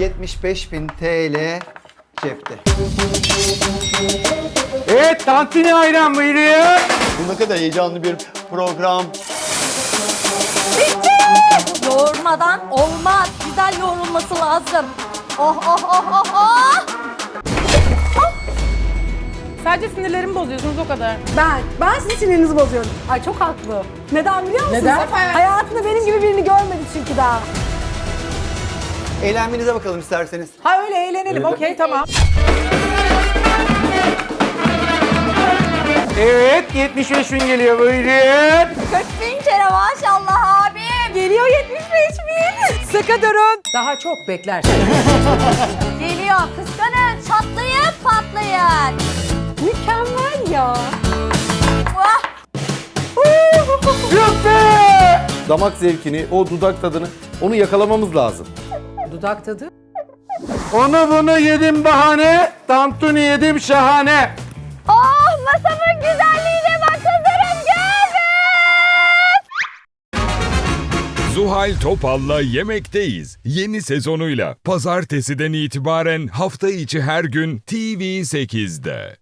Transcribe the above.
75.000 TL cepte. Evet, tantuni ayran buyuruyor. Bu ne kadar heyecanlı bir program. Yoğurmadan olmaz. Güzel yoğrulması lazım. Oh oh oh oh oh. Sadece sinirlerimi bozuyorsunuz o kadar. Ben sizin sinirinizi bozuyorum. Ay çok haklı. Neden biliyor musunuz? Neden? Hayatında benim gibi birini görmedi çünkü daha. Eğlenmenize bakalım isterseniz. Ha öyle eğlenelim. Okey tamam. Evet, 75.000 geliyor buyurun. 40.000 kere maşallah abim. Geliyor 75.000. Sıkı durun. Daha çok beklersin. Geliyor. Kıskanın. Çatlayın patlayın. Mükemmel ya. Vah. Yok be! Damak zevkini, o dudak tadını, onu yakalamamız lazım. Dudak tadı. Onu bunu yedim bahane, tantuni yedim şahane. Oh masamın güzelliğine bak kızlarım Zuhal Topal'la Yemekteyiz. Yeni sezonuyla pazartesiden itibaren hafta içi her gün TV8'de.